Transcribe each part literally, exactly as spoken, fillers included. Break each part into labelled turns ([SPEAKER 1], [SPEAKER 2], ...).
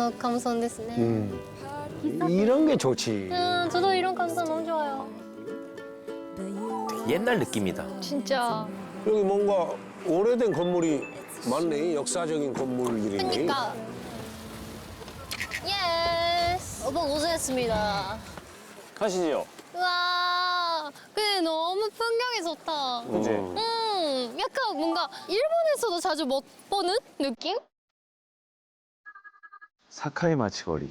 [SPEAKER 1] な감성ですね.
[SPEAKER 2] 음. 이런 게 좋지.
[SPEAKER 1] 음, 저도 이런 감성 너무 좋아요.
[SPEAKER 3] 옛날 느낌이다.
[SPEAKER 4] 진짜.
[SPEAKER 2] 여기 뭔가 오래된 건물이 많네. 역사적인 건물들이네.
[SPEAKER 1] 그러니까. 예스. 오빠 고생했습니다.
[SPEAKER 5] 가시죠.
[SPEAKER 1] 와, 근데 너무 풍경이 좋다.
[SPEAKER 5] 그치?
[SPEAKER 1] 음, 약간 뭔가 일본에서도 자주 못 보는 느낌?
[SPEAKER 6] 사카이 마치거리.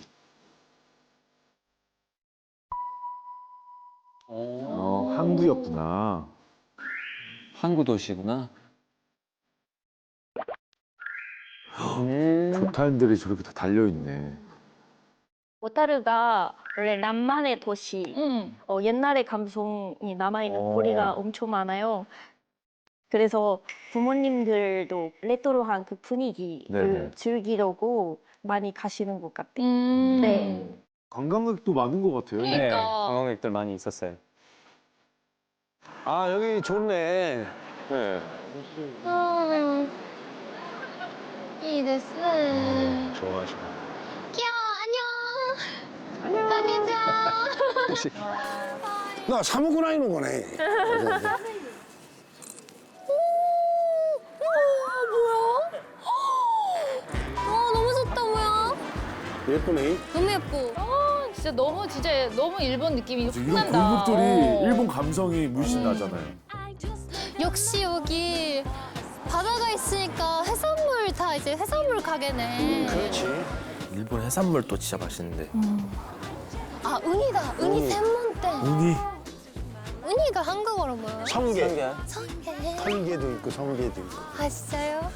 [SPEAKER 6] 어, 항구였구나.
[SPEAKER 5] 항구 도시구나. 음.
[SPEAKER 6] 조탄들이 저렇게 다 달려있네.
[SPEAKER 7] 오타루가 원래 낭만의 도시,
[SPEAKER 4] 응.
[SPEAKER 7] 어, 옛날의 감성이 남아있는
[SPEAKER 6] 어.
[SPEAKER 7] 거리가 엄청 많아요. 그래서 부모님들도 레트로한 그 분위기를
[SPEAKER 6] 네네.
[SPEAKER 7] 즐기려고 많이 가시는 것 같아요.
[SPEAKER 4] 음.
[SPEAKER 7] 네.
[SPEAKER 6] 관광객도 많은 것 같아요.
[SPEAKER 4] 그러니까.
[SPEAKER 5] 네, 관광객들 많이 있었어요.
[SPEAKER 2] 아, 여기 좋네.
[SPEAKER 5] 네.
[SPEAKER 1] 음, 이ですね.
[SPEAKER 2] 좋아, 좋아.
[SPEAKER 1] 귀여워, 안녕. 안녕.
[SPEAKER 2] 나 사먹고 다니는 거네.
[SPEAKER 1] 와, 너무 좋다, 뭐야?
[SPEAKER 2] 예쁘네.
[SPEAKER 1] 너무 예뻐.
[SPEAKER 4] 아, 진짜 너무 진짜 너무 일본 느낌이 확
[SPEAKER 6] 이런
[SPEAKER 4] 난다.
[SPEAKER 6] 골목들이
[SPEAKER 4] 어.
[SPEAKER 6] 일본 감성이 물씬 나잖아요.
[SPEAKER 1] 역시 여기 바다가 있으니까 해산물 다 이제 해산물 가게네.
[SPEAKER 2] 그렇지.
[SPEAKER 3] 일본 해산물도 진짜 맛있는데.
[SPEAKER 1] 아, 은이다. 은이専門店.
[SPEAKER 6] 운이
[SPEAKER 1] 은이가 한국어로 뭐예요?
[SPEAKER 2] 성게.
[SPEAKER 1] 성게.
[SPEAKER 2] 성게도 있고 성게도 있고.
[SPEAKER 1] 아, 진짜요?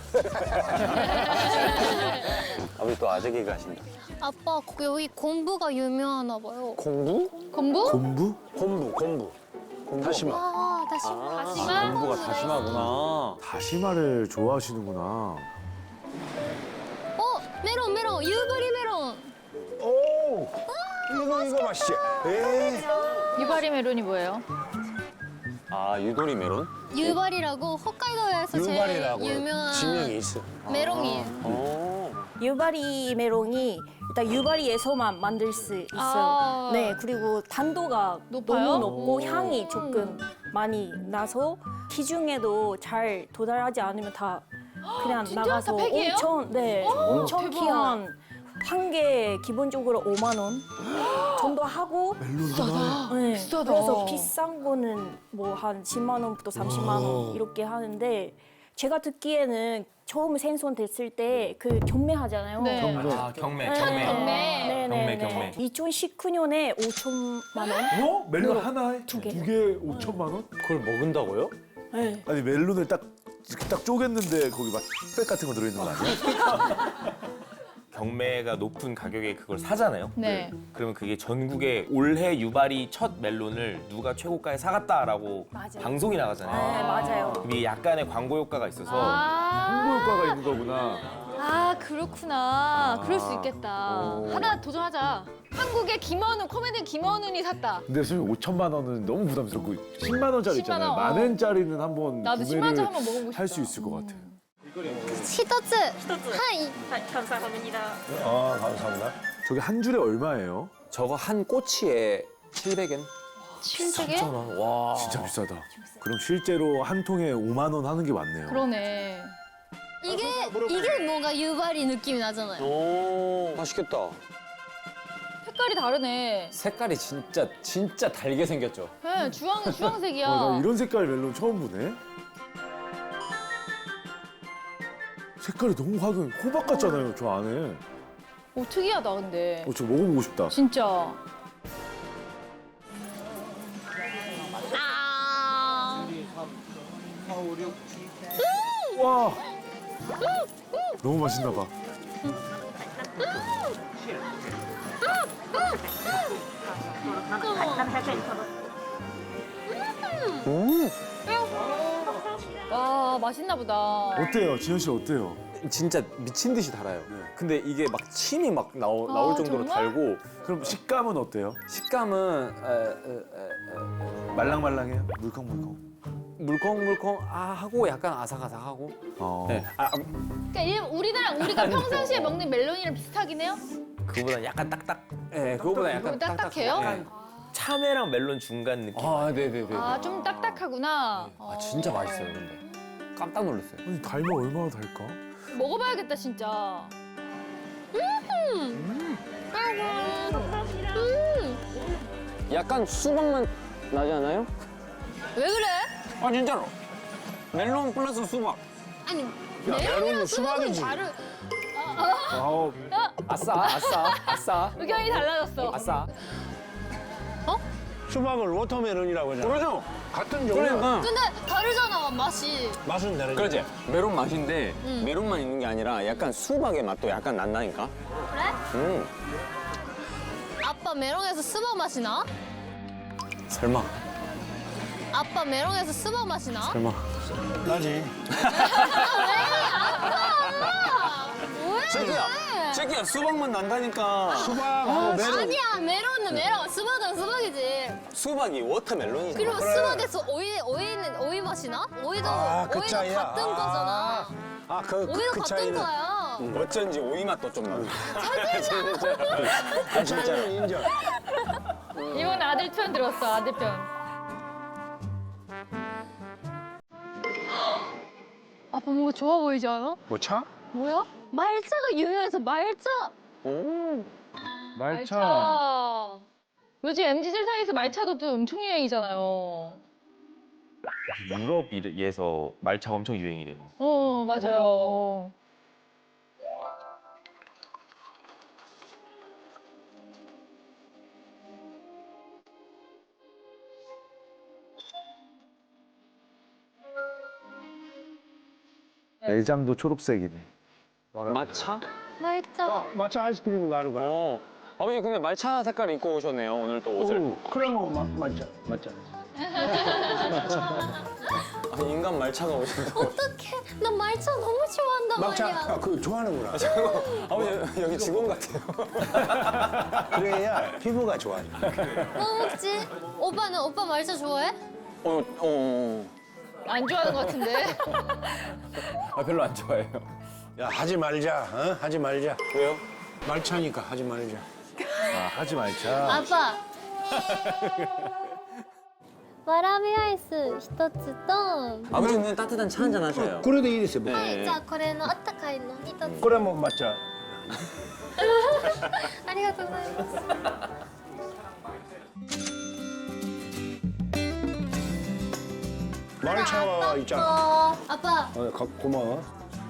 [SPEAKER 5] 아버지 또 아재기 가신다.
[SPEAKER 1] 아빠, 여기 곤부가 유명하나 봐요.
[SPEAKER 2] 공부?
[SPEAKER 4] 건부?
[SPEAKER 6] 곰부?
[SPEAKER 2] 곤부, 곤부. 다시마.
[SPEAKER 1] 아, 다시마.
[SPEAKER 4] 다시마?
[SPEAKER 5] 공부가 다시마구나.
[SPEAKER 6] 다시마를 좋아하시는구나.
[SPEAKER 1] 어, 메론, 메론. 유바리 메론.
[SPEAKER 2] 오! 이거, 이거 맛있지? 에
[SPEAKER 4] 유바리 메론이 뭐예요?
[SPEAKER 5] 아, 유도리 메론?
[SPEAKER 1] 유바리라고 홋카이도에서 제일
[SPEAKER 2] 유발이라고
[SPEAKER 1] 유명한
[SPEAKER 2] 지명이 있어.
[SPEAKER 1] 메론이에요.
[SPEAKER 5] 오.
[SPEAKER 7] 유바리 메론이 일단 유바리에서만 만들 수 있어요.
[SPEAKER 4] 아.
[SPEAKER 7] 네, 그리고 단도가
[SPEAKER 4] 높아요?
[SPEAKER 7] 너무 높고
[SPEAKER 4] 오.
[SPEAKER 7] 향이 조금 많이 나서 시중에도 잘 도달하지 않으면 다 그냥
[SPEAKER 4] 진짜?
[SPEAKER 7] 나가서
[SPEAKER 4] 다 팩이에요?
[SPEAKER 7] 엄청 네, 엄청
[SPEAKER 4] 대박.
[SPEAKER 7] 귀한 한 개 기본적으로 오만 원 정도 하고
[SPEAKER 6] 멜론 하나.
[SPEAKER 7] 네,
[SPEAKER 4] 비싸다.
[SPEAKER 7] 그래서 비싼 거는 뭐 한 십만 원부터 삼십만 원 이렇게 하는데 제가 듣기에는 처음 생선 됐을 때 그 경매하잖아요.
[SPEAKER 4] 네.
[SPEAKER 3] 아, 경매,
[SPEAKER 7] 네.
[SPEAKER 3] 경매.
[SPEAKER 4] 경매.
[SPEAKER 7] 네네네.
[SPEAKER 3] 경매, 경매.
[SPEAKER 7] 이천십구 년에 오천만 원?
[SPEAKER 6] 어? 멜론 하나에
[SPEAKER 7] 두 개.
[SPEAKER 6] 두 개에 오천만 원?
[SPEAKER 5] 그걸 먹은다고요?
[SPEAKER 7] 네.
[SPEAKER 6] 아니 멜론을 딱 이렇게 딱 쪼갰는데 거기 막 흑백 같은 거 들어있는 거 아니야?
[SPEAKER 3] 경매가 높은 가격에 그걸 사잖아요.
[SPEAKER 4] 네.
[SPEAKER 3] 그러면 그게 전국에 올해 유발이 첫 멜론을 누가 최고가에 사갔다라고
[SPEAKER 7] 맞아요.
[SPEAKER 3] 방송이
[SPEAKER 7] 네,
[SPEAKER 3] 나가잖아요.
[SPEAKER 7] 맞아요.
[SPEAKER 3] 그럼 이게 약간의 광고 효과가 있어서
[SPEAKER 6] 홍보
[SPEAKER 4] 아,
[SPEAKER 6] 효과가 있는 거구나.
[SPEAKER 4] 아 그렇구나. 그럴 수
[SPEAKER 6] 아.
[SPEAKER 4] 있겠다.
[SPEAKER 6] 오.
[SPEAKER 4] 하나 도전하자. 한국의 김원훈, 코미디언 김원훈이 샀다.
[SPEAKER 6] 근데 선생님 오천만 원은 너무 부담스럽고 십만 원짜리
[SPEAKER 4] 십만
[SPEAKER 6] 있잖아요.
[SPEAKER 4] 원, 어.
[SPEAKER 6] 만 원짜리는 한번
[SPEAKER 4] 나도 십만 원짜리
[SPEAKER 6] 구매를
[SPEAKER 4] 한번 먹어보고 싶다.
[SPEAKER 6] 할 수 있을 것 같아.
[SPEAKER 1] 히토츠. 하이.
[SPEAKER 7] 감사합니다.
[SPEAKER 2] 아, 감사합니다.
[SPEAKER 6] 저게 한 줄에 얼마예요?
[SPEAKER 5] 저거 한 꼬치에 칠백 엔?
[SPEAKER 1] 칠백에?
[SPEAKER 3] 삼천 원. 와.
[SPEAKER 6] 진짜 비싸다. 그럼 실제로 한 통에 오만 원 하는 게 맞네요.
[SPEAKER 4] 그러네.
[SPEAKER 1] 이게 이게 뭔가 유바리 느낌이 나잖아요.
[SPEAKER 5] 오, 맛있겠다.
[SPEAKER 4] 색깔이 다르네.
[SPEAKER 5] 색깔이 진짜 진짜 달게 생겼죠.
[SPEAKER 4] 네, 주황 주황색이야.
[SPEAKER 6] 와, 나 이런 색깔 멜론 처음 보네. 색깔이 너무 화려해. 호박 같잖아요, 저 안에.
[SPEAKER 4] 오 특이하다 근데.
[SPEAKER 6] 어, 저 먹어보고 싶다.
[SPEAKER 4] 진짜.
[SPEAKER 1] 아.
[SPEAKER 6] 와, 너무 맛있나 봐.
[SPEAKER 2] 음,
[SPEAKER 4] 와 맛있나 보다.
[SPEAKER 6] 어때요, 지현 씨 어때요?
[SPEAKER 5] 진짜 미친 듯이 달아요.
[SPEAKER 6] 네.
[SPEAKER 5] 근데 이게 막 침이 막 나오,
[SPEAKER 4] 아,
[SPEAKER 5] 나올 정도로
[SPEAKER 4] 정말?
[SPEAKER 5] 달고
[SPEAKER 6] 그럼 식감은 어때요?
[SPEAKER 5] 식감은 에, 에, 에, 에,
[SPEAKER 6] 말랑말랑해요? 물컹물컹.
[SPEAKER 5] 물컹물컹 아 하고 약간 아삭아삭하고.
[SPEAKER 6] 어.
[SPEAKER 5] 네. 아, 아,
[SPEAKER 4] 그러니까 일, 우리나라 우리가 평상시에 먹는 멜론이랑 비슷하긴 해요?
[SPEAKER 3] 그거보다 약간 딱딱.
[SPEAKER 5] 네, 그거보다 약간
[SPEAKER 4] 좀 딱딱해요?
[SPEAKER 5] 네.
[SPEAKER 3] 참외랑 멜론 중간 느낌.
[SPEAKER 5] 아, 네네네. 아,
[SPEAKER 4] 아, 좀 딱딱하구나.
[SPEAKER 5] 진짜 맛있어요, 근데. 깜짝 놀랐어요.
[SPEAKER 6] 아니 달면 얼마나 달까?
[SPEAKER 4] 먹어봐야겠다, 진짜.
[SPEAKER 5] 약간 수박맛 나지 않아요?
[SPEAKER 1] 왜 그래?
[SPEAKER 5] 아, 진짜로. 멜론 플러스 수박.
[SPEAKER 1] 아니
[SPEAKER 2] 메론은
[SPEAKER 1] 메론이랑 수박은
[SPEAKER 2] 수박이지.
[SPEAKER 1] 다르.
[SPEAKER 6] 아우
[SPEAKER 5] 아싸, 아싸, 아싸.
[SPEAKER 4] 의견이 달라졌어.
[SPEAKER 5] 아싸.
[SPEAKER 2] 수박을 워터멜론이라고 하잖아.
[SPEAKER 5] 그러죠?
[SPEAKER 2] 같은 종류.
[SPEAKER 5] 그러니까.
[SPEAKER 1] 근데 다르잖아 맛이.
[SPEAKER 2] 맛은 다르지.
[SPEAKER 5] 그러지? 메론 맛인데 메론만 있는 게 아니라 약간 수박의 맛도 약간 난다니까?
[SPEAKER 1] 그래?
[SPEAKER 5] 음.
[SPEAKER 1] 아빠 메론에서 수박 맛이 나?
[SPEAKER 5] 설마,
[SPEAKER 1] 아빠 메론에서 수박 맛이 나?
[SPEAKER 5] 설마.
[SPEAKER 2] 나지.
[SPEAKER 1] 뭐야?
[SPEAKER 5] 새끼야, 새끼야, 수박맛 난다니까.
[SPEAKER 2] 수박하고 메론.
[SPEAKER 1] 아니야 메론은 메론, 수박은 수박이지.
[SPEAKER 5] 수박이 워터멜론이잖아.
[SPEAKER 1] 그리고 수박에서 오이 오이는 오이 맛이 나? 오이도
[SPEAKER 2] 아, 그
[SPEAKER 1] 오이도
[SPEAKER 2] 차이야.
[SPEAKER 1] 같은 거잖아.
[SPEAKER 2] 아, 그, 그,
[SPEAKER 1] 오이도
[SPEAKER 2] 그
[SPEAKER 1] 같은
[SPEAKER 2] 차이는.
[SPEAKER 1] 거야.
[SPEAKER 5] 어쩐지 오이 맛도 좀 나.
[SPEAKER 2] 그 차이는 인정.
[SPEAKER 4] 이건 아들 편 들었어, 아들 편. 아빠 뭔가 좋아 보이지 않아?
[SPEAKER 2] 뭐 차?
[SPEAKER 1] 뭐야? 말차가 유명해서 말차.
[SPEAKER 5] 오.
[SPEAKER 4] 말차. 요즘 엠지 세상에서 말차도 또 엄청 유행이잖아요.
[SPEAKER 3] 유럽에서 말차가 엄청 유행이래요.
[SPEAKER 4] 어, 맞아요.
[SPEAKER 6] 내장도 초록색이네.
[SPEAKER 5] 마차?
[SPEAKER 1] 말차.
[SPEAKER 2] 마차 아이스크림 나는 거야.
[SPEAKER 5] 어. 아버지 근데 말차 색깔 입고 오셨네요, 오늘 또 옷을.
[SPEAKER 2] 오, 그럼 뭐, 마, 맞자, 맞자.
[SPEAKER 5] 아니, 인간 말차가 오신다고.
[SPEAKER 1] 어떡해. 나 말차 너무 좋아한단
[SPEAKER 2] 막차,
[SPEAKER 1] 말이야.
[SPEAKER 2] 아, 그 좋아하는구나.
[SPEAKER 5] 아버지 여기 직원 같아요.
[SPEAKER 2] 그래야 피부가 좋아져.
[SPEAKER 1] 뭐 먹지? 오빠는 오빠 말차 좋아해?
[SPEAKER 5] 어, 어, 어.
[SPEAKER 4] 안 좋아하는 것 같은데.
[SPEAKER 5] 아, 별로 안 좋아해요.
[SPEAKER 2] 야, 하지 말자, 어? 하지 말자.
[SPEAKER 5] 왜요?
[SPEAKER 2] 말차니까 하지 말자.
[SPEAKER 6] 아 하지 말자.
[SPEAKER 1] 아빠. 와라비 아이스一つと
[SPEAKER 5] 아버지는 따뜻한 차 한잔 하셔요.
[SPEAKER 2] 그래도 이ですよ. 뭐.
[SPEAKER 1] はい、じゃあこれのあったかいの一つ。
[SPEAKER 2] 그래 뭐 맞자.
[SPEAKER 1] ありがとうございます。
[SPEAKER 2] 말차가 있잖아.
[SPEAKER 1] 어, 아빠.
[SPEAKER 2] 어, 가, 고마워.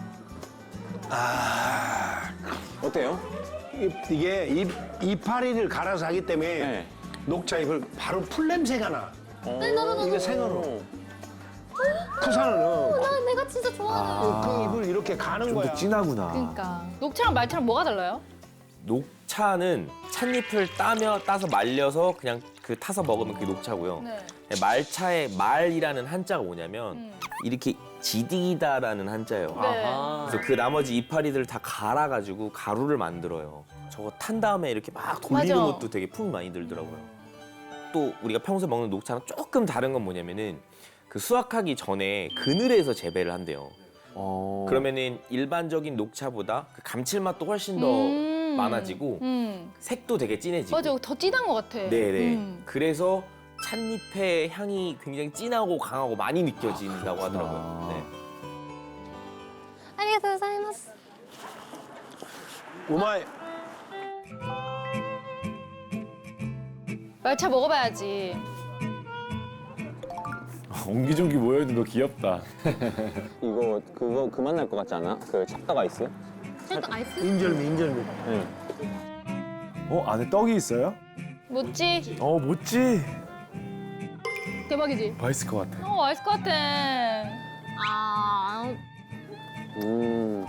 [SPEAKER 2] 아,
[SPEAKER 5] 어때요?
[SPEAKER 2] 이- 이게 이, 이파리를 갈아서 하기 때문에
[SPEAKER 5] 네.
[SPEAKER 2] 녹차 잎을 바로 풀 냄새가 나.
[SPEAKER 1] 네, 나도 나도.
[SPEAKER 2] 이게 생으로. 토산은 어,
[SPEAKER 1] 나 내가 진짜 좋아하는.
[SPEAKER 2] 그 잎을 이렇게 가는
[SPEAKER 6] 좀
[SPEAKER 2] 거야.
[SPEAKER 6] 더 진하구나.
[SPEAKER 4] 그러니까. 녹차랑 말차랑 뭐가 달라요?
[SPEAKER 3] 녹차는 찻잎을 따며 따서 말려서 그냥 그 타서 먹으면 그게 녹차고요.
[SPEAKER 4] 네.
[SPEAKER 3] 말차의 말이라는 한자가 뭐냐면
[SPEAKER 4] 음.
[SPEAKER 3] 이렇게 지디다라는 한자예요.
[SPEAKER 4] 네.
[SPEAKER 5] 아하.
[SPEAKER 3] 그래서 그 나머지 이파리들을 다 갈아가지고 가루를 만들어요. 저거 탄 다음에 이렇게 막 돌리는
[SPEAKER 4] 맞아.
[SPEAKER 3] 것도 되게 품이 많이 들더라고요. 또 우리가 평소에 먹는 녹차랑 조금 다른 건 뭐냐면은 그 수확하기 전에 그늘에서 재배를 한대요.
[SPEAKER 5] 어.
[SPEAKER 3] 그러면은 일반적인 녹차보다 그 감칠맛도 훨씬 더
[SPEAKER 4] 음.
[SPEAKER 3] 많아지고
[SPEAKER 4] 음.
[SPEAKER 3] 색도 되게 진해지고.
[SPEAKER 4] 맞아, 더 진한 것 같아.
[SPEAKER 3] 네네.
[SPEAKER 4] 음.
[SPEAKER 3] 그래서 찻잎의 향이 굉장히 진하고 강하고 많이 느껴진다고 하더라고요. 네.
[SPEAKER 1] ありがとうございます。
[SPEAKER 2] 우마이.
[SPEAKER 4] 말차 먹어봐야지.
[SPEAKER 6] 옹기종기 모여있는 거 귀엽다.
[SPEAKER 5] 이거 그거 그만 날 것 같지 않아? 그 찹다가 있어요?
[SPEAKER 1] ちょっとアイス。
[SPEAKER 2] 인절미, 인절미.
[SPEAKER 5] 응.
[SPEAKER 6] 어 안에 떡이 있어요?
[SPEAKER 4] 뭐지?
[SPEAKER 6] 어 뭐지?
[SPEAKER 4] 대박이지?
[SPEAKER 6] 맛있을 것 같아.
[SPEAKER 4] 어, 맛있을 것 같아.
[SPEAKER 1] 아,
[SPEAKER 5] 음.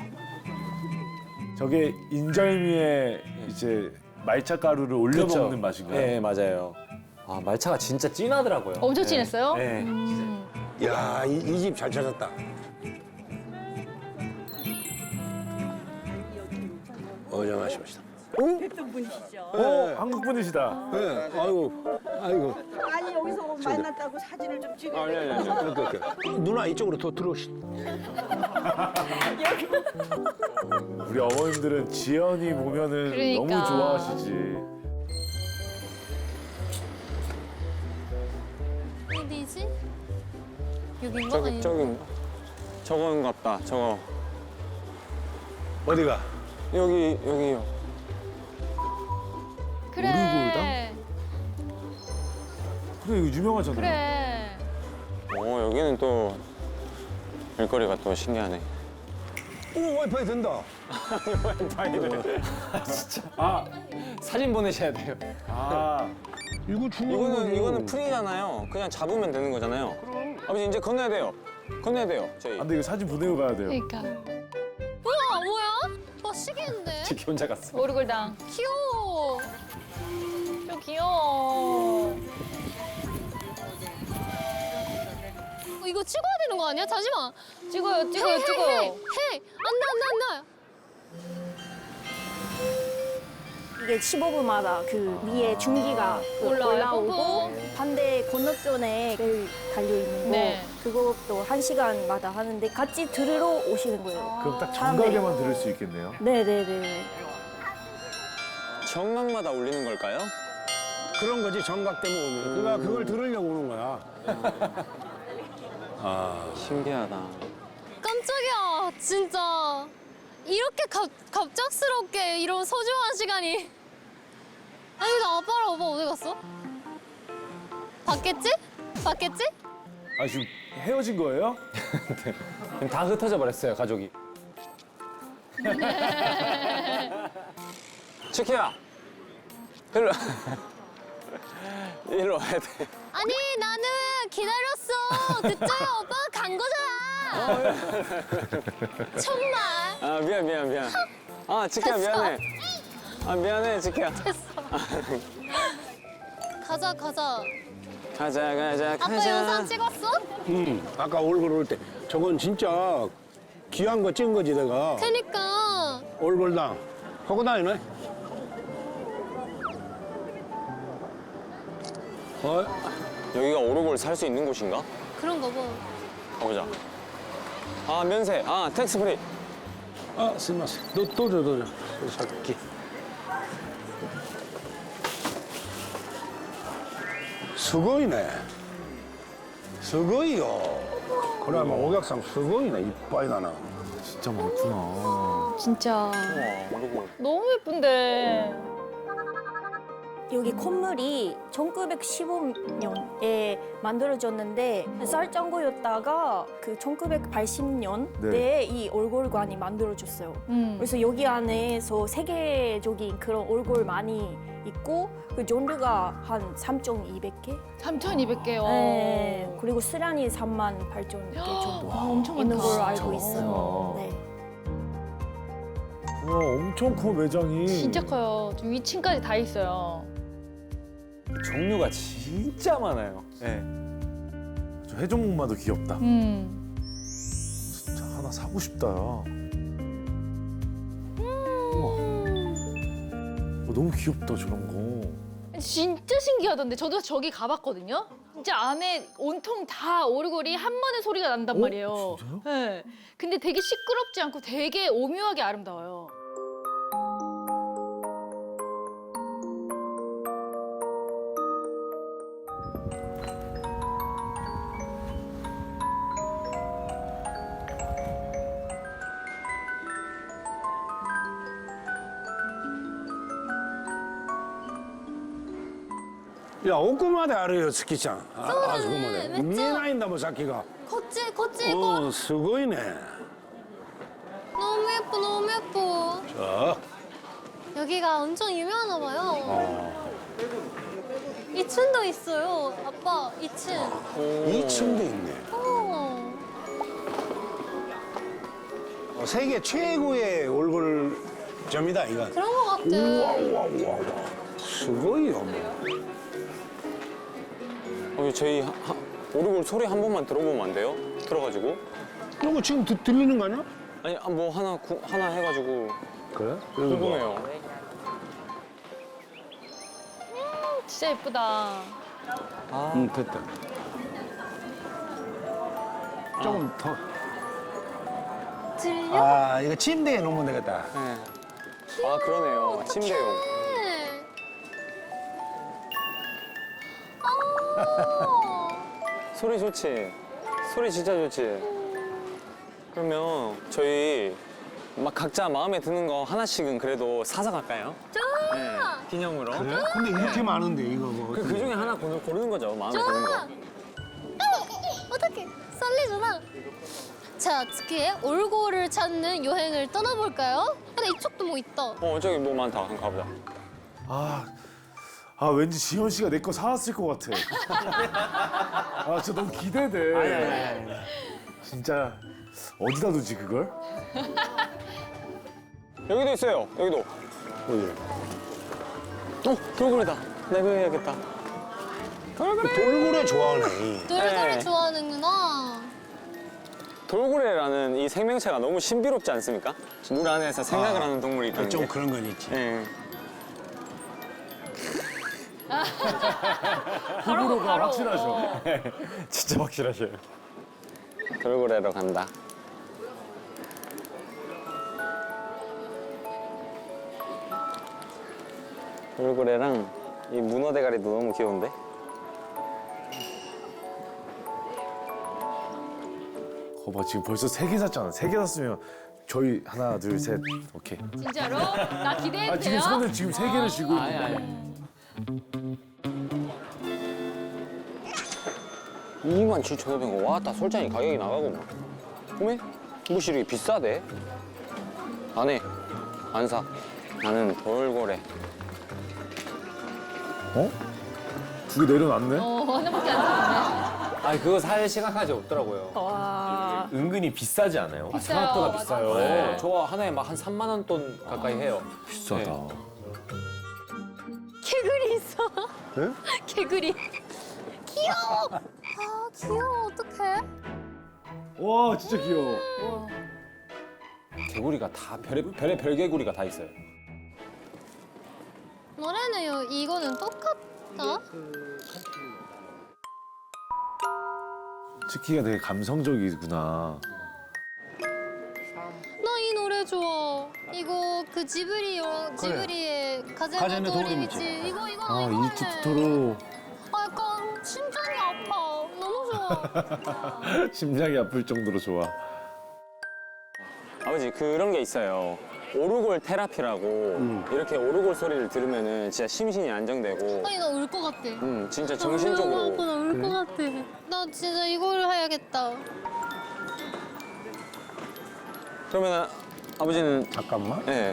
[SPEAKER 6] 저게 인절미에 이제 말차 가루를 올려
[SPEAKER 5] 그쵸?
[SPEAKER 6] 먹는 맛인가요?
[SPEAKER 5] 네, 맞아요. 아, 말차가 진짜 진하더라고요.
[SPEAKER 4] 엄청 진했어요?
[SPEAKER 5] 네.
[SPEAKER 4] 음.
[SPEAKER 2] 야, 이 집 잘 찾았다. 어정하십시다.
[SPEAKER 6] 어 한국 분이시다.
[SPEAKER 2] 네, 아이고, 아이고.
[SPEAKER 8] 아니 여기서 만났다고 사진을 좀 찍어.
[SPEAKER 5] 아니, 아니, 아니.
[SPEAKER 2] 이렇게, 이렇게. 누나 이쪽으로 더 들어오시.
[SPEAKER 6] 우리 어머님들은 지연이 보면은
[SPEAKER 4] 그러니까.
[SPEAKER 6] 너무 좋아하시지.
[SPEAKER 1] 어디지? 여긴가?
[SPEAKER 5] 저기
[SPEAKER 1] 아니,
[SPEAKER 5] 저기 저건갑다. 저거
[SPEAKER 2] 어디가?
[SPEAKER 5] 여기 여기요.
[SPEAKER 4] 그래.
[SPEAKER 6] 오르골당? 그래 이거 유명하잖아.
[SPEAKER 4] 그래.
[SPEAKER 5] 어 여기는 또 일거리가 또 신기하네.
[SPEAKER 2] 오 와이파이 된다.
[SPEAKER 5] 아 사진 보내셔야 돼요.
[SPEAKER 6] 아
[SPEAKER 2] 이거 중요한
[SPEAKER 5] 이거는
[SPEAKER 2] 거지.
[SPEAKER 5] 이거는 프리잖아요. 그냥 잡으면 되는 거잖아요. 아버지 이제 건너야 돼요. 건너야 돼요. 저희.
[SPEAKER 6] 근데 이거 사진 보내고 가야 돼요.
[SPEAKER 4] 그러니까.
[SPEAKER 1] 우와 뭐야? 와 시계인데?
[SPEAKER 5] 지키 혼자 갔어.
[SPEAKER 4] 오르골당.
[SPEAKER 1] 귀여워.
[SPEAKER 4] 좀 귀여워.
[SPEAKER 1] 어, 이거 찍어야 되는 거 아니야? 잠시만.
[SPEAKER 4] 찍어요, 찍어요,
[SPEAKER 1] 헤이,
[SPEAKER 4] 찍어요.
[SPEAKER 1] 헤이, 헤이. 안나 안나 안나.
[SPEAKER 7] 이게 십오 분마다 그 위에 중기가 그
[SPEAKER 4] 올라와요,
[SPEAKER 7] 올라오고
[SPEAKER 4] 뽀뽀.
[SPEAKER 7] 반대 건너편에 벨 달려 있는 거
[SPEAKER 4] 네.
[SPEAKER 7] 그것도 한 시간마다 하는데 같이 들으러 오시는 거예요.
[SPEAKER 6] 그럼 딱
[SPEAKER 7] 사람들이.
[SPEAKER 6] 정각에만 들을 수 있겠네요.
[SPEAKER 7] 네네네.
[SPEAKER 5] 정각마다 울리는 걸까요?
[SPEAKER 2] 그런 거지 정각 때문에 오는. 그러니까 그걸 들으려고 오는 거야.
[SPEAKER 5] 신기하다.
[SPEAKER 1] 깜짝이야 진짜. 이렇게 갑, 갑작스럽게 이런 소중한 시간이. 아니 나 아빠랑 오빠 어디 갔어? 봤겠지? 봤겠지?
[SPEAKER 6] 아 지금 헤어진 거예요?
[SPEAKER 5] 다 흩어져 버렸어요 가족이. 치키야. 일로. 일로 와야 돼.
[SPEAKER 1] 아니 나는 기다렸어. 그쪽에 오빠가 간 거잖아. 정말.
[SPEAKER 5] 아 미안 미안 미안. 아 치키야
[SPEAKER 1] 됐어.
[SPEAKER 5] 미안해. 아 미안해 치키야.
[SPEAKER 1] 가자 가자.
[SPEAKER 5] 가자 가자
[SPEAKER 1] 아빠
[SPEAKER 5] 가자.
[SPEAKER 1] 영상 찍었어?
[SPEAKER 2] 응. 아까 얼굴 올 때 저건 진짜 귀한 거 찍은 거지 내가.
[SPEAKER 1] 그니까.
[SPEAKER 2] 얼굴당. 하고 다니네. 어?
[SPEAKER 5] 여기가 오르골 살 수 있는 곳인가?
[SPEAKER 1] 그런가 봐.
[SPEAKER 5] 가보자. 아 면세. 아 텍스 프리.
[SPEAKER 2] 아, 스마스. 너또 줘, 또 줘. 살게. 수고이네. 수고이요. 그러면 오객상 수고이네. 이빠이 나나.
[SPEAKER 6] 진짜 많구나.
[SPEAKER 4] 진짜.
[SPEAKER 5] 와 오르골.
[SPEAKER 4] 너무 예쁜데.
[SPEAKER 7] 여기 건물이 천구백십오 년에 만들어졌는데 쌀장고였다가 그 천구백팔십 년대에
[SPEAKER 6] 네.
[SPEAKER 7] 이 올골관이 만들어졌어요.
[SPEAKER 4] 음.
[SPEAKER 7] 그래서 여기 안에서 세계적인 그런 올골 많이 있고 그 종류가 한 삼천이백 개?
[SPEAKER 4] 삼천이백 개요.
[SPEAKER 7] 네. 그리고 수량이 삼만 팔천 개 정도
[SPEAKER 4] 와, 엄청
[SPEAKER 7] 있는
[SPEAKER 4] 많다.
[SPEAKER 7] 걸로 알고
[SPEAKER 6] 진짜
[SPEAKER 7] 있어요.
[SPEAKER 6] 많구나.
[SPEAKER 7] 네.
[SPEAKER 6] 와 엄청 커 매장이.
[SPEAKER 4] 진짜 커요. 저 위층까지 다 있어요.
[SPEAKER 5] 종류가 진짜 많아요. 네.
[SPEAKER 6] 저 해종목마도 귀엽다.
[SPEAKER 4] 음.
[SPEAKER 6] 진짜 하나 사고 싶다. 야. 우와. 어, 너무 귀엽다 저런 거.
[SPEAKER 4] 진짜 신기하던데. 저도 저기 가봤거든요. 진짜 안에 온통 다 오르골이 한 번에 소리가 난단
[SPEAKER 6] 어?
[SPEAKER 4] 말이에요.
[SPEAKER 6] 진짜요?
[SPEAKER 4] 네. 근데 되게 시끄럽지 않고 되게 오묘하게 아름다워요.
[SPEAKER 2] 야, 오쿠마데 알아요, 스키장. 아, 아,
[SPEAKER 1] 네,
[SPEAKER 2] 그거마데.
[SPEAKER 1] 맞죠?
[SPEAKER 2] 미에나인다, 뭐, 사키가.
[SPEAKER 1] 걷지 걷지 이거.
[SPEAKER 2] 어, 수고이네.
[SPEAKER 1] 너무 예뻐 너무 예뻐.
[SPEAKER 2] 자,
[SPEAKER 1] 여기가 엄청 유명하나 봐요.
[SPEAKER 2] 어.
[SPEAKER 1] 이 층도 있어요. 아빠 이 층.
[SPEAKER 2] 이 층도 있네.
[SPEAKER 1] 어.
[SPEAKER 2] 어, 세계 최고의 얼굴점이다, 이건.
[SPEAKER 1] 그런 거 같아.
[SPEAKER 2] 우와, 우와, 우와, 우와. 수고이요, 뭐.
[SPEAKER 5] 어, 저희 하, 하, 오르골 소리 한 번만 들어보면 안 돼요? 들어가지고?
[SPEAKER 2] 이거 지금 드, 들리는 거 아니야?
[SPEAKER 5] 아니 아, 뭐 하나 구, 하나 해가지고
[SPEAKER 2] 그래?
[SPEAKER 5] 궁금해요.
[SPEAKER 4] 진짜 예쁘다.
[SPEAKER 2] 응, 됐다. 조금 더.
[SPEAKER 1] 들려?
[SPEAKER 2] 아 이거 침대에 놓으면 되겠다.
[SPEAKER 5] 네. 아 그러네요. 침대용.
[SPEAKER 1] 네. 아.
[SPEAKER 5] 소리 좋지. 소리 진짜 좋지. 그러면 저희 막 각자 마음에 드는 거 하나씩은 그래도 사서 갈까요?
[SPEAKER 1] 좋아.
[SPEAKER 5] 네. 기념으로.
[SPEAKER 2] 그래? 근데 이렇게 많은데 이거 뭐.
[SPEAKER 5] 그, 그 중에 하나 고르, 고르는 거죠. 마음에 드는
[SPEAKER 1] 좋아.
[SPEAKER 5] 거.
[SPEAKER 1] 어떡해. 썰리잖아. 자, 특히의 올고를 찾는 여행을 떠나볼까요? 근데 이쪽도 뭐 있다.
[SPEAKER 5] 어 저기 뭐 많다. 한번 가보자.
[SPEAKER 6] 아, 아 왠지 지현 씨가 내 거 사왔을 것 같아. 아, 진짜 너무 기대돼.
[SPEAKER 2] 아니 아니 아니.
[SPEAKER 6] 진짜 어디다 두지 그걸?
[SPEAKER 5] 여기도 있어요. 여기도.
[SPEAKER 2] 어디?
[SPEAKER 5] 어 돌고래다. 내가 해야겠다.
[SPEAKER 2] 돌고래 좋아하네.
[SPEAKER 1] 돌고래
[SPEAKER 5] 네.
[SPEAKER 1] 좋아하는구나.
[SPEAKER 5] 돌고래라는 이 생명체가 너무 신비롭지 않습니까? 물 안에서 생각을
[SPEAKER 2] 아,
[SPEAKER 5] 하는 동물이 있다는
[SPEAKER 2] 좀
[SPEAKER 5] 게.
[SPEAKER 2] 그런 건 있지.
[SPEAKER 5] 네.
[SPEAKER 6] 호불호가 확실하죠.
[SPEAKER 5] 진짜 확실하셔요. 돌고래로 간다. 돌고래랑 이 문어 대가리도 너무 귀여운데?
[SPEAKER 6] 거봐 지금 벌써 세 개 샀잖아. 세 개 샀으면 저희 하나 둘 셋 오케이.
[SPEAKER 4] 진짜로? 나 기대해도
[SPEAKER 6] 아 지금
[SPEAKER 4] 돼요?
[SPEAKER 6] 손을 지금 세 개를 쥐고 있는 거야.
[SPEAKER 5] 이만 칠천오백 원. 왔다 솔직히 가격이 나가고 막. 어메? 무시 이렇게 비싸대? 안 해. 안 사. 나는 돌고래.
[SPEAKER 6] 어? 두 개 내려놨네.
[SPEAKER 4] 어, 하나밖에 안 샀네.
[SPEAKER 5] 아니 그거 살 생각하지 없더라고요.
[SPEAKER 7] 와.
[SPEAKER 3] 은근히 비싸지 않아요?
[SPEAKER 4] 비싸요.
[SPEAKER 5] 생각보다 비싸요.
[SPEAKER 3] 네.
[SPEAKER 5] 저 하나에 막 한 삼만 원 돈 가까이 해요.
[SPEAKER 6] 비싸다.
[SPEAKER 5] 네.
[SPEAKER 1] 개구리 있어.
[SPEAKER 2] 네?
[SPEAKER 1] 개구리. 귀여워. 아, 귀여워. 어떡해?
[SPEAKER 6] 와 진짜 귀여워.
[SPEAKER 5] 개구리가 다 별의 별의 별개구리가 다 있어요.
[SPEAKER 1] 노래는 요 이거는 똑같다.
[SPEAKER 6] 치키가 되게 감성적이구나.
[SPEAKER 1] 나 이 노래 좋아. 이거 그 지브리 영 지브리의 가제노
[SPEAKER 2] 가제노
[SPEAKER 1] 도리미치.
[SPEAKER 2] 도리미치.
[SPEAKER 1] 이거 이거
[SPEAKER 6] 아
[SPEAKER 1] 이거네.
[SPEAKER 6] 이집트 토토로
[SPEAKER 1] 아, 약간 심장이 아파. 너무 좋아.
[SPEAKER 6] 심장이 아플 정도로 좋아.
[SPEAKER 5] 아버지 그런 게 있어요. 오르골 테라피라고 이렇게 오르골 소리를 들으면은 진짜 심신이 안정되고
[SPEAKER 1] 아니 나 울 것 같아.
[SPEAKER 5] 음 진짜
[SPEAKER 1] 너무
[SPEAKER 5] 정신적으로
[SPEAKER 1] 아파. 나 울 것 같아. 나 진짜 이걸 해야겠다.
[SPEAKER 5] 그러면 아버지는
[SPEAKER 2] 잠깐만.
[SPEAKER 5] 네.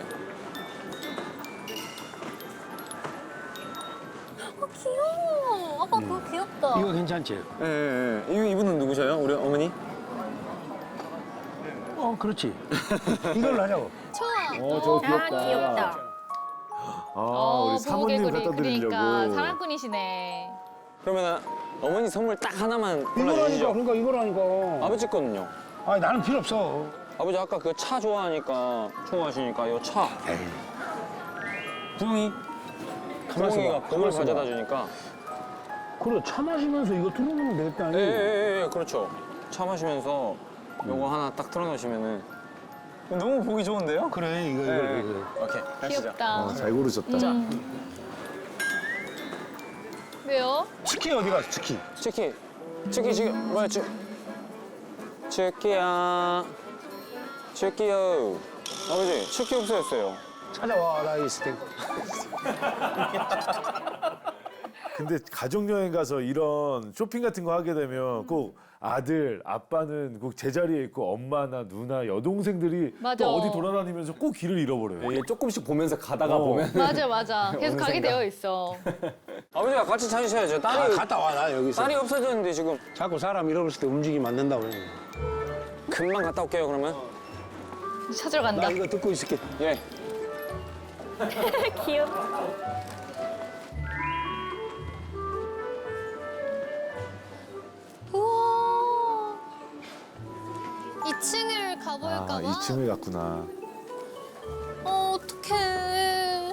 [SPEAKER 1] 아 귀여워. 아빠 그거 귀엽다.
[SPEAKER 2] 이거 괜찮지?
[SPEAKER 5] 예, 예, 예. 이- 이분은 누구셔요? 우리 어머니?
[SPEAKER 2] 어 그렇지. 이걸로 하자고.
[SPEAKER 1] 좋아.
[SPEAKER 6] 어 저거
[SPEAKER 7] 아
[SPEAKER 6] 귀엽다.
[SPEAKER 7] 귀엽다.
[SPEAKER 6] 아
[SPEAKER 4] 어,
[SPEAKER 6] 우리 사모님
[SPEAKER 4] 보호개구리.
[SPEAKER 6] 갖다 드리려고.
[SPEAKER 4] 그러니까 사랑꾼이시네.
[SPEAKER 5] 그러면 어머니 선물 딱 하나만
[SPEAKER 2] 이거라니까
[SPEAKER 5] 골라주시죠.
[SPEAKER 2] 그러니까 이거라니까.
[SPEAKER 5] 아버지 거는요?
[SPEAKER 2] 아니 나는 필요 없어.
[SPEAKER 5] 아버지 아까 그 차 좋아하니까 좋아하시니까 요 차. 부엉이. 부엉이가
[SPEAKER 2] 가만
[SPEAKER 5] 봄을
[SPEAKER 2] 있어봐.
[SPEAKER 5] 가져다 주니까.
[SPEAKER 2] 그래 차 마시면서 이거 틀어놓으면 되겠다.
[SPEAKER 5] 예, 예, 예, 예, 그렇죠. 차 마시면서 요거 하나 딱 틀어놓으시면은 너무 보기 좋은데요?
[SPEAKER 2] 그래 이거 이거
[SPEAKER 5] 예,
[SPEAKER 2] 이거.
[SPEAKER 5] 오케이, 가시죠.
[SPEAKER 4] 귀엽다.
[SPEAKER 6] 어, 잘 고르셨다.
[SPEAKER 4] 왜요?
[SPEAKER 2] 치킨 어디 갔어 치킨?
[SPEAKER 5] 치키, 치키 지금 뭐야 치? 치키야, 치키요. 아버지 치키 없어졌어요.
[SPEAKER 2] 찾아와 나 있을 때.
[SPEAKER 6] 근데 가족 여행 가서 이런 쇼핑 같은 거 하게 되면 꼭 아들, 아빠는 꼭 제자리에 있고 엄마나 누나, 여동생들이
[SPEAKER 4] 맞아.
[SPEAKER 6] 또 어디 돌아다니면서 꼭 길을 잃어버려요.
[SPEAKER 5] 이게 조금씩 보면서 가다가
[SPEAKER 6] 어.
[SPEAKER 5] 보면
[SPEAKER 4] 맞아, 맞아. 계속
[SPEAKER 5] 어느
[SPEAKER 4] 가게
[SPEAKER 5] 생각.
[SPEAKER 4] 되어 있어.
[SPEAKER 5] 아버지가 같이 찾으셔야죠.
[SPEAKER 2] 아,
[SPEAKER 5] 딸이
[SPEAKER 2] 갔다 와 나 여기서.
[SPEAKER 5] 딸이 없어졌는데 지금
[SPEAKER 2] 자꾸 사람 잃어버렸을 때 움직이면 안 된다고 그래.
[SPEAKER 5] 금방 갔다 올게요. 그러면
[SPEAKER 4] 찾으러 간다.
[SPEAKER 2] 나 이거 듣고 있을게.
[SPEAKER 5] 예.
[SPEAKER 7] 귀엽다.
[SPEAKER 1] 우와. 이 층을 가볼까 봐.
[SPEAKER 6] 아, 이 층을 갔구나.
[SPEAKER 1] 어, 어떡해.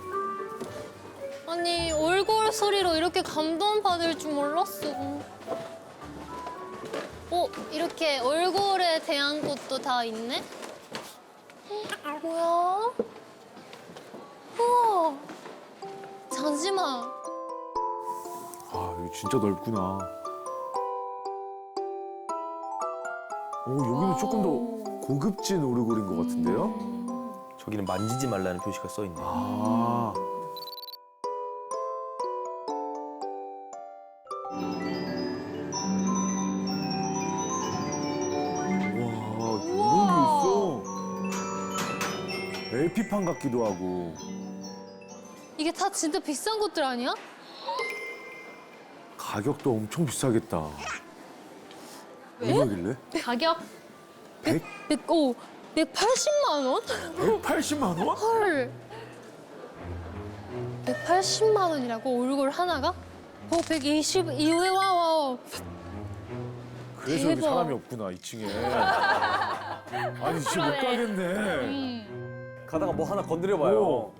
[SPEAKER 1] 아니, 올골 소리로 이렇게 감동받을 줄 몰랐어. 오, 어, 이렇게 얼굴에 대한 것도 다 있네? 어, 뭐야? 우와. 잠시만.
[SPEAKER 6] 아 여기 진짜 넓구나. 오 여기는 조금 더 고급진 오르골인 것 같은데요?
[SPEAKER 3] 저기는 만지지 말라는 표시가 써 있네.
[SPEAKER 6] 아. 와 이런 게 있어. 엘피판 같기도 하고.
[SPEAKER 1] 이게 다 진짜 비싼 것들 아니야?
[SPEAKER 6] 가격도 엄청 비싸겠다. 얼마길래?
[SPEAKER 4] 가격?
[SPEAKER 6] 백?
[SPEAKER 1] 백, 오, 백팔십만 원?
[SPEAKER 6] 백팔십만 원?
[SPEAKER 1] 헐. 백팔십만 원이라고 얼굴 하나가? 어, 백이십, 이후에 와, 와.
[SPEAKER 6] 그래서 여기
[SPEAKER 1] 대박.
[SPEAKER 6] 사람이 없구나, 이 층에. 아니, 진짜 못 가겠네.
[SPEAKER 5] 가다가 뭐 하나
[SPEAKER 6] 오,
[SPEAKER 5] 건드려봐요.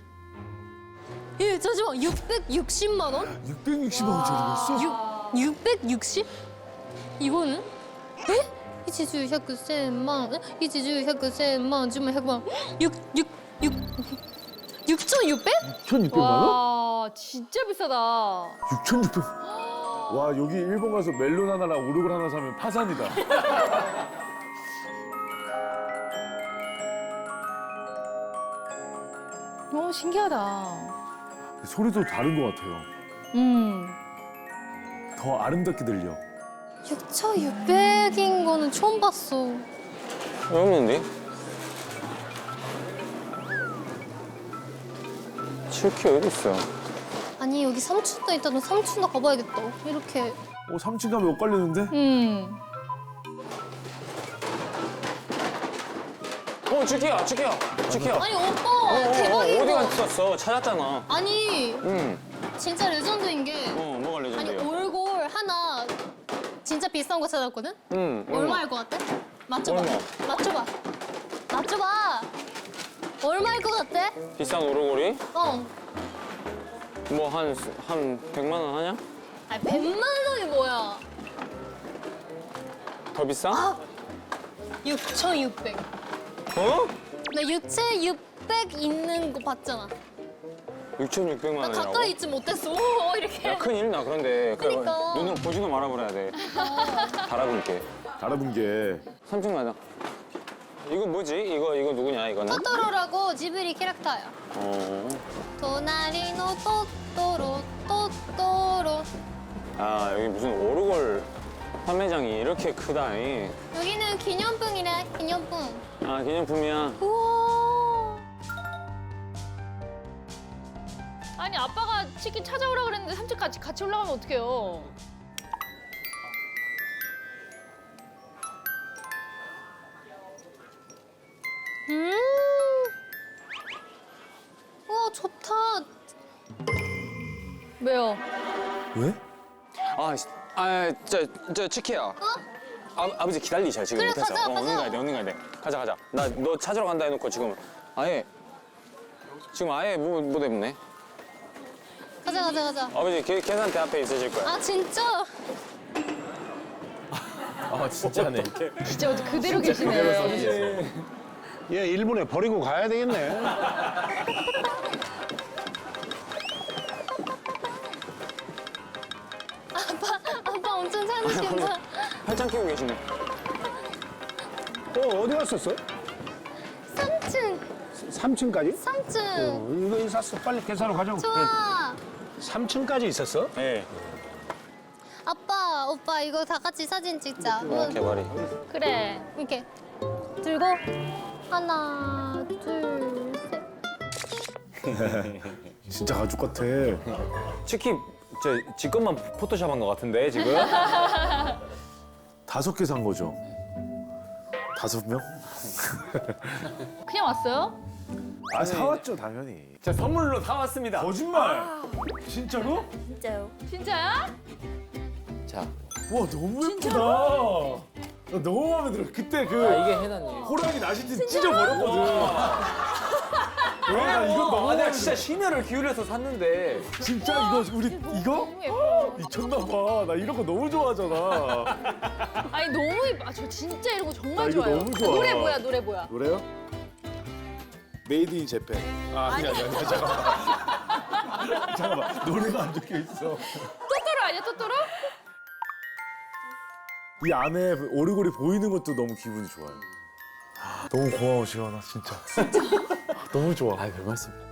[SPEAKER 1] 예, 잠시만, 육백육십만 원?
[SPEAKER 6] 육백육십만 원짜리였어?
[SPEAKER 1] 육, 육백육십? 이거는? 에? 이치주 백십만 원? 이치주 백십만 원 주면 백만 원. 육, 육, 육, 육천육백?
[SPEAKER 6] 육천육백만 원?
[SPEAKER 4] 와 진짜 비싸다.
[SPEAKER 6] 육천육백. 와, 여기 일본 가서 멜론 하나랑 오르골 하나 사면 파산이다.
[SPEAKER 4] 너무 신기하다.
[SPEAKER 6] 소리도 다른 것 같아요.
[SPEAKER 4] 음.
[SPEAKER 6] 더 아름답게 들려.
[SPEAKER 1] 육천육백인 거는 처음 봤어.
[SPEAKER 5] 왜 없는데? 칠키 어디 있어?
[SPEAKER 1] 아니, 여기 삼촌도 있다는 삼촌도 가봐야겠다. 이렇게.
[SPEAKER 6] 어, 삼 층 가면 엇갈리는데?
[SPEAKER 4] 음.
[SPEAKER 5] 어, 칠키야, 칠키야, 칠키야.
[SPEAKER 1] 아니, 오빠! 대박인
[SPEAKER 5] 어디
[SPEAKER 1] 거.
[SPEAKER 5] 갔었어? 찾았잖아.
[SPEAKER 1] 아니,
[SPEAKER 5] 응.
[SPEAKER 1] 진짜 레전드인 게.
[SPEAKER 5] 어, 뭐가
[SPEAKER 1] 아니,
[SPEAKER 5] 레전드야?
[SPEAKER 1] 얼굴 하나 진짜 비싼 거 찾았거든?
[SPEAKER 5] 응.
[SPEAKER 1] 얼마일 것 같아? 맞춰봐.
[SPEAKER 5] 얼마?
[SPEAKER 1] 맞춰봐. 맞춰봐. 얼마일 것 같아?
[SPEAKER 5] 비싼 오르골이?
[SPEAKER 1] 어.
[SPEAKER 5] 뭐 한 한 백만 원 하냐?
[SPEAKER 1] 아니, 백만 원이 뭐야?
[SPEAKER 5] 더 비싸?
[SPEAKER 1] 육천육백.
[SPEAKER 5] 어?
[SPEAKER 1] 나 육천육백 있는 거 봤잖아.
[SPEAKER 5] 육천육백만
[SPEAKER 1] 나
[SPEAKER 5] 원이라고?
[SPEAKER 1] 가까이 있지 못했어. 오, 이렇게.
[SPEAKER 5] 야, 큰일 나. 그런데 그
[SPEAKER 1] 그러니까.
[SPEAKER 5] 눈으로 보지도 말아버려야 돼. 달아볼게.
[SPEAKER 6] 달아본 게.
[SPEAKER 5] 삼 층 가자. 이거 뭐지? 이거 이거 누구냐 이거는?
[SPEAKER 1] 토토로라고 지브리 캐릭터야.
[SPEAKER 5] 어.
[SPEAKER 1] 도나리노 토토로 토토로.
[SPEAKER 5] 아 여기 무슨 오르골 판매장이 이렇게 크다니.
[SPEAKER 1] 여기는 기념품이래. 기념품.
[SPEAKER 5] 아 기념품이야.
[SPEAKER 1] 우와.
[SPEAKER 4] 아니 아빠가 치킨 찾아오라 그랬는데 삼촌 같이 같이 올라가면 어떡해요?
[SPEAKER 1] 음. 우와, 좋다.
[SPEAKER 4] 왜요?
[SPEAKER 6] 왜?
[SPEAKER 5] 아, 씨, 아, 저, 저 치키야. 아, 아버지 기다리셔 지금
[SPEAKER 1] 그래,
[SPEAKER 5] 못해서.
[SPEAKER 1] 가자,
[SPEAKER 5] 어,
[SPEAKER 1] 가자.
[SPEAKER 5] 얼른 가야 돼, 얼른 가야 돼. 가자, 가자. 나 너 찾으러 간다 해놓고 지금 아예 지금 아예 못, 못 해보네.
[SPEAKER 1] 가자, 가자, 가자.
[SPEAKER 5] 아버지 계, 계산대 앞에 있으실 거야.
[SPEAKER 1] 아, 진짜?
[SPEAKER 3] 아 진짜네.
[SPEAKER 4] 진짜 어디 그대로 계시네.
[SPEAKER 2] 얘 일본에 버리고 가야 되겠네.
[SPEAKER 1] 아빠 엄청 찾으신다.
[SPEAKER 5] 팔짱 끼고 계시네.
[SPEAKER 2] 어, 어디 갔었어?
[SPEAKER 1] 삼 층,
[SPEAKER 2] 삼 층까지?
[SPEAKER 1] 삼 층.
[SPEAKER 2] 어, 이거 있었어. 빨리 계산하러 가자고.
[SPEAKER 1] 좋아.
[SPEAKER 2] 삼 층까지 있었어?
[SPEAKER 5] 네.
[SPEAKER 1] 아빠, 오빠 이거 다 같이 사진 찍자.
[SPEAKER 5] 어, 개발이.
[SPEAKER 4] 그래.
[SPEAKER 1] 이렇게 들고 하나, 둘, 셋.
[SPEAKER 6] 진짜 가족 같아.
[SPEAKER 5] 치키 저 지금만 포토샵한 것 같은데 지금?
[SPEAKER 6] 다섯 개 산 거죠? 다섯 명?
[SPEAKER 4] 그냥 왔어요?
[SPEAKER 6] 아, 사왔죠, 당연히.
[SPEAKER 5] 자 선물로 사왔습니다.
[SPEAKER 6] 거짓말! 진짜로?
[SPEAKER 7] 진짜요.
[SPEAKER 4] 진짜야?
[SPEAKER 5] 자,
[SPEAKER 6] 와, 너무 예쁘다. 나 너무 마음에 들어. 그때 그
[SPEAKER 5] 이게 해놨니?
[SPEAKER 6] 호랑이 나시티 찢어버렸거든. 왜? 나 이거 너무
[SPEAKER 5] 아,
[SPEAKER 6] 마음에
[SPEAKER 5] 내가
[SPEAKER 6] 들어.
[SPEAKER 5] 진짜 심혈을 기울여서 샀는데.
[SPEAKER 6] 진짜 이거 우리 이거?
[SPEAKER 4] 너무 예뻐.
[SPEAKER 6] 미쳤나 봐. 나 이런 거 너무 좋아하잖아.
[SPEAKER 4] 아니 아니 너무 예뻐. 아, 저 진짜 이런 거
[SPEAKER 6] 나
[SPEAKER 4] 정말
[SPEAKER 6] 이거
[SPEAKER 4] 좋아요.
[SPEAKER 6] 너무 좋아.
[SPEAKER 4] 노래 뭐야 노래 뭐야?
[SPEAKER 6] 노래요? 메이드 인 재팬. 아, 아니 아니 아니 잠깐만. 잠깐만. 노래가 안 적혀 있어.
[SPEAKER 4] 토토로 아니야 토토로?
[SPEAKER 6] 이 안에 오르골이 보이는 것도 너무 기분이 좋아요. 너무 고마워 지원아 진짜. 진짜. 너무 좋아.
[SPEAKER 5] 아, 별 말씀.